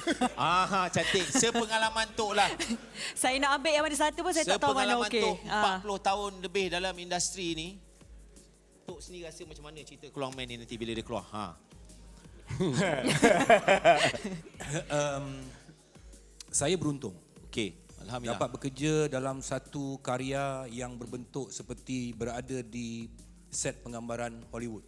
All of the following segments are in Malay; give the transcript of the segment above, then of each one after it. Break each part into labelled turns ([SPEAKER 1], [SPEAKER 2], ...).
[SPEAKER 1] Cantik. Sepengalaman Tok lah.
[SPEAKER 2] Saya nak ambil yang mana satu pun saya tak tahu mana okey.
[SPEAKER 1] Sepengalaman Tok 40 tahun lebih dalam industri ni. Tok sendiri rasa macam mana cerita Keluang Man ni nanti bila dia keluar?
[SPEAKER 3] Saya beruntung.
[SPEAKER 1] Okey, alhamdulillah.
[SPEAKER 3] Dapat bekerja dalam satu karya yang berbentuk seperti berada di set penggambaran Hollywood.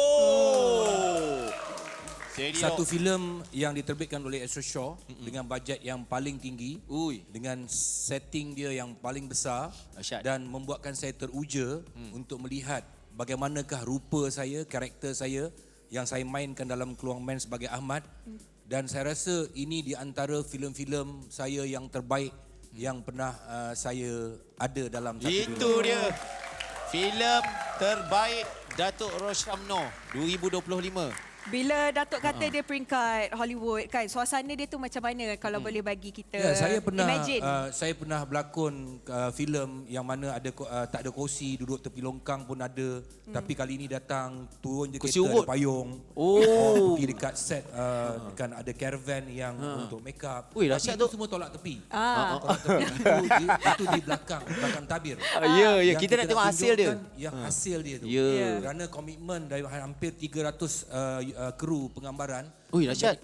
[SPEAKER 1] Oh.
[SPEAKER 3] Satu filem yang diterbitkan oleh Astro Shaw dengan bajet yang paling tinggi, dengan setting dia yang paling besar dan membuatkan saya teruja untuk melihat bagaimanakah rupa saya, karakter saya yang saya mainkan dalam Keluang Man sebagai Ahmad. Dan saya rasa ini di antara filem-filem saya yang terbaik yang pernah saya ada dalam satu dunia.
[SPEAKER 1] Itu dia. Filem terbaik Datuk Roshamno 2025.
[SPEAKER 2] Bila Datuk kata dia peringkat Hollywood kan, suasana dia tu macam mana kalau boleh bagi kita imagine?
[SPEAKER 3] Saya pernah berlakon filem yang mana ada tak ada kerusi, duduk tepi longkang pun ada. Tapi kali ini datang turun je kereta ada payung. Pergi dekat set kan ada caravan yang untuk make up.
[SPEAKER 1] Dahsyat tu.
[SPEAKER 3] Semua tolak tepi. Tolak tepi. Itu di belakang tabir.
[SPEAKER 1] Ya, kita nak tengok hasil dia.
[SPEAKER 3] Yang hasil dia tu. Kerana komitmen dari hampir 300 kru penggambaran.
[SPEAKER 1] Dahsyat.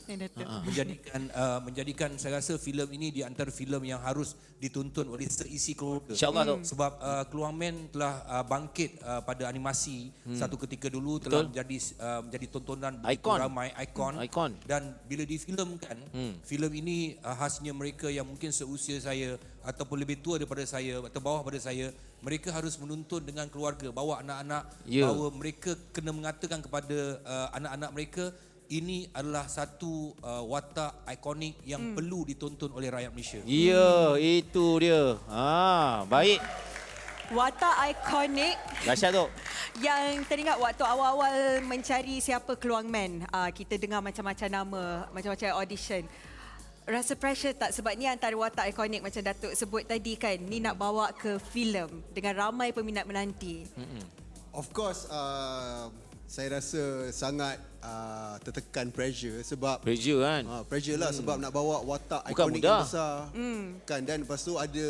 [SPEAKER 3] Menjadikan saya rasa filem ini di antara filem yang harus ditonton oleh seisi keluarga.
[SPEAKER 1] InsyaAllah.
[SPEAKER 3] Sebab Keluang Man telah bangkit pada animasi satu ketika dulu telah menjadi tontonan begitu ramai, ikon. Dan bila difilmkan, filem ini khasnya mereka yang mungkin seusia saya ataupun lebih tua daripada saya atau bawah pada saya, mereka harus menonton dengan keluarga, bawa anak-anak, bahawa mereka kena mengatakan kepada anak-anak mereka, ini adalah satu watak ikonik yang perlu ditonton oleh rakyat Malaysia.
[SPEAKER 1] Ya, itu dia. Baik.
[SPEAKER 2] Watak ikonik.
[SPEAKER 1] Dahsyat tu.
[SPEAKER 2] Yang teringat waktu awal-awal mencari siapa Keluang Man, kita dengar macam-macam nama, macam-macam audition. Rasa pressure tak? Sebab ni antara watak ikonik macam Datuk sebut tadi kan, ni nak bawa ke filem dengan ramai peminat menanti.
[SPEAKER 4] Of course, saya rasa sangat tertekan pressure sebab
[SPEAKER 1] pressure kan.
[SPEAKER 4] Pressure lah sebab nak bawa watak
[SPEAKER 1] bukan
[SPEAKER 4] ikonik yang besar. Kan, dan lepas tu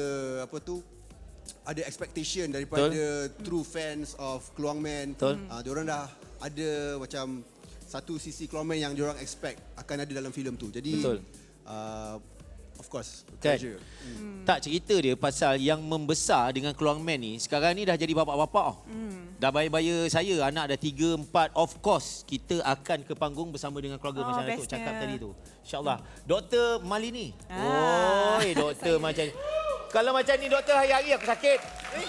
[SPEAKER 4] ada expectation daripada true fans of Keluang Man. Diorang dah ada macam satu sisi Keluang Man yang diorang expect akan ada dalam filem tu. Jadi of course, pressure.
[SPEAKER 1] Tak, cerita dia pasal yang membesar dengan Keluang Man ni, sekarang ni dah jadi bapak-bapak. Dah baya-baya saya, anak dah 3, 4. Of course, kita akan ke panggung bersama dengan keluarga macam Datuk cakap tadi tu. InsyaAllah. Dr. Malini. Doktor macam ni. Kalau macam ni, doktor, hari-hari aku sakit.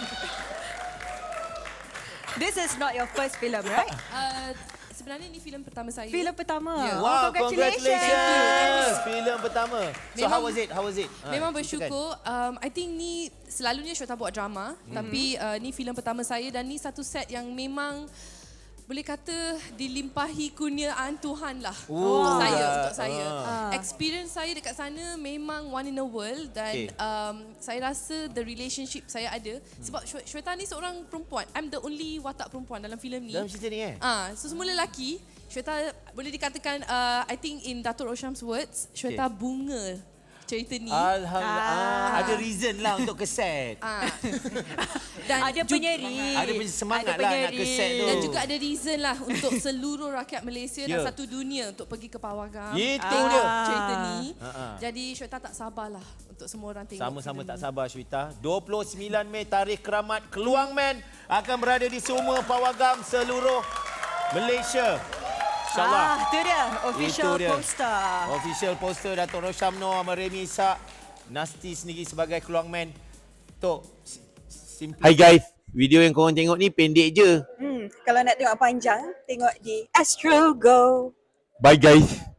[SPEAKER 2] This is not your first film, right?
[SPEAKER 5] Sebenarnya ni filem pertama saya.
[SPEAKER 2] Filem pertama.
[SPEAKER 5] Yeah.
[SPEAKER 1] Wow,
[SPEAKER 2] congratulations.
[SPEAKER 1] Filem pertama. So how was it?
[SPEAKER 5] Memang bersyukur. I think ni selalunya Syota buat drama, tapi ni filem pertama saya dan ni satu set yang memang boleh kata dilimpahi kurniaan Tuhan lah untuk saya. Experience saya dekat sana memang one in a world dan saya rasa the relationship saya ada sebab Shweta ni seorang perempuan. I'm the only watak perempuan dalam filem ni.
[SPEAKER 1] Dalam cerita ni
[SPEAKER 5] So semua lelaki. Shweta boleh dikatakan I think in Datuk Rosham's words, Shweta bunga cerita ni.
[SPEAKER 1] Alhamdulillah. Ada reason lah untuk keset.
[SPEAKER 5] Dan
[SPEAKER 2] ada penyerik.
[SPEAKER 1] Ada semangat lah nak keset tu.
[SPEAKER 5] Dan juga ada reason lah untuk seluruh rakyat Malaysia dan satu dunia untuk pergi ke Pawagam.
[SPEAKER 1] Itu dia.
[SPEAKER 5] Cerita ni. Jadi Shweta tak sabarlah untuk semua orang tengok.
[SPEAKER 1] Sama-sama tak sabar Shweta. 29 Mei tarikh keramat Keluang Man akan berada di semua Pawagam seluruh Malaysia. InsyaAllah.
[SPEAKER 2] Itu dia official poster.
[SPEAKER 1] Official poster Datuk Roshamno sama Remy Ishak. Nasty sendiri sebagai Keluang Man. Tok, Hai guys, video yang korang tengok ni pendek je.
[SPEAKER 2] Kalau nak tengok panjang, tengok di Astro Go.
[SPEAKER 1] Bye guys.